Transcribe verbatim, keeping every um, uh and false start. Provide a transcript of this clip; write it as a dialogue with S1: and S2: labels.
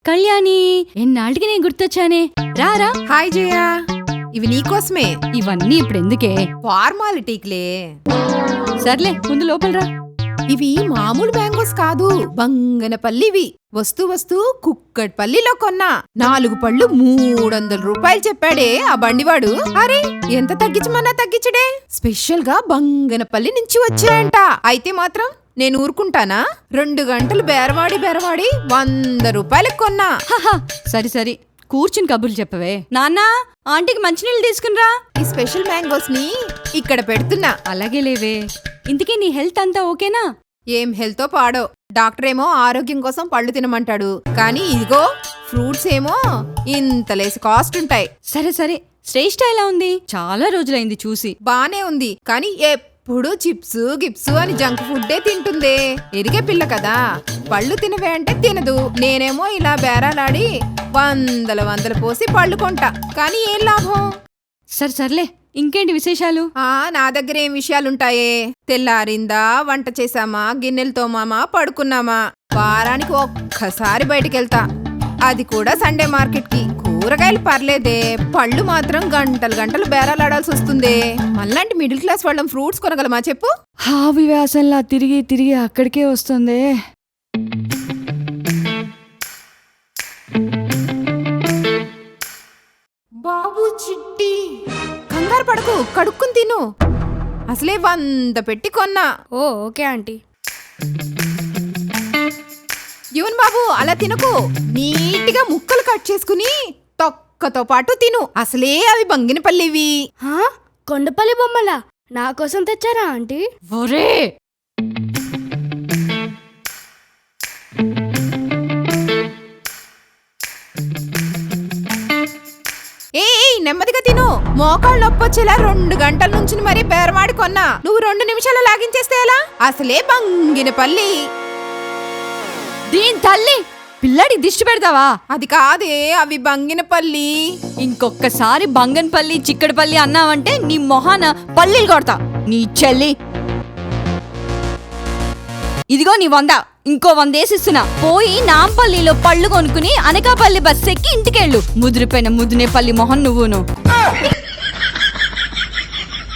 S1: కళ్యాణి, ఎన్నాళ్ళకి నేను గుర్తొచ్చానే. రారా.
S2: హాయ్ జయా, ఇవి నీకోసమే.
S1: ఇవన్నీ ఇప్పుడు ఎందుకే?
S2: ఫార్మాలిటీక్లే.
S1: సర్లే, ముందు లోపలరా.
S2: ఇవి మామూలు మ్యాంగోస్ కాదు, బంగనపల్లివి. వస్తూ వస్తూ కుక్కట్పల్లిలో కొన్నా. నాలుగు పళ్ళు మూడొందల రూపాయలు చెప్పాడే ఆ బండివాడు. అరే, ఎంత తగ్గించమన్నా తగ్గించడే. స్పెషల్ గా బంగనపల్లి నుంచి వచ్చాయంట. అయితే మాత్రం నేను ఊరుకుంటానా? రెండు గంటలు బేరవాడి బేరవాడి వంద రూపాయలకు కొన్నా.
S1: సరి సరి, కూర్చుని కబుర్లు చెప్పవే. నాన్నా, ఆంటీకి మంచినీళ్ళు తీసుకునిరా.
S2: ఈ స్పెషల్ మ్యాంగోస్ ని ఇక్కడ పెడుతున్నా.
S1: అలాగే లేవే. ఇంతకీ నీ హెల్త్ అంతా ఓకేనా?
S2: ఏం హెల్తో పాడో. డాక్టర్ ఏమో ఆరోగ్యం కోసం పళ్ళు తినమంటాడు, కానీ ఇదిగో ఫ్రూట్స్ ఏమో ఇంతలేసి కాస్ట్ ఉంటాయి.
S1: సరే సరే, శ్రేష్ఠ ఎలా ఉంది? చాలా రోజులైంది చూసి.
S2: బానే ఉంది, కానీ ఎప్పుడు చిప్స్ గిప్స్ అని జంక్ ఫుడ్డే తింటుందే. ఎరిగే పిల్ల కదా, పళ్ళు తినవే అంటే తినదు. నేనేమో ఇలా బేరాలాడి వందల వందలు పోసి పళ్ళు కొంటా, కానీ ఏం లాభం?
S1: సరే సర్లే, ఇంకేంటి విశేషాలు?
S2: ఆ నా దగ్గర ఏం విషయాలుంటాయే. తెల్లారిందా, వంట చేసామా, గిన్నెలు తోమామా, పడుకున్నామా. వారానికి ఒక్కసారి బయటికెళ్తా, అది కూడా సండే మార్కెట్ కి. కూరగాయలు పర్లేదే, పళ్ళు మాత్రం గంటలు గంటలు బేరాలాడాల్సి వస్తుందే. మళ్ళంటి మిడిల్ క్లాస్ వాళ్ళం ఫ్రూట్స్ కొనగలమా చెప్పు?
S1: హావి వ్యాసంలా తిరిగి తిరిగి అక్కడికే వస్తుంది.
S2: బాబు చిట్టి, కంగారు పడకు, కడుక్కుని తిను. అసలే వంద పెట్టి కొన్నా.
S3: Oh okay aunty.
S2: యువన్ బాబు, అలా తినకు. నీట్గా ముక్కలు కట్ చేసుకుని తొక్కతో పాటు తిను. అసలే అవి బంగినపల్లివి.
S3: హా, కొండపల్లి బొమ్మలా నా కోసం తెచ్చారా ఆంటీ?
S1: ఒరే,
S2: ఏ నెమ్మదిగా తిను. మోకాళ్ళు నొప్పొచ్చేలా రెండు గంటల నుంచి మరీ బేరమాడి కొన్నా. నువ్వు రెండు నిమిషాలు లాగించేస్తే ఎలా? అసలే బంగినపల్లి.
S1: దీని తల్లి, పిల్లాడికి దిష్టి పెడతావా?
S2: అది కాదే, అవి బంగినపల్లి.
S1: ఇంకొక్కసారి బంగన్పల్లి చిక్కడపల్లి అన్నావంటే నీ మొహాన పల్లీలు కొడతా. నీ చెల్లి, ఇదిగో నీ వంద, ఇంకో వందేసిస్తున్నా. పోయి నాంపల్లిలో పళ్ళు కొనుక్కుని అనకాపల్లి బస్ ఎక్కి ఇంటికెళ్ళు. ముదిరిపోయిన ముదినేపల్లి మొహన్ నువ్వును.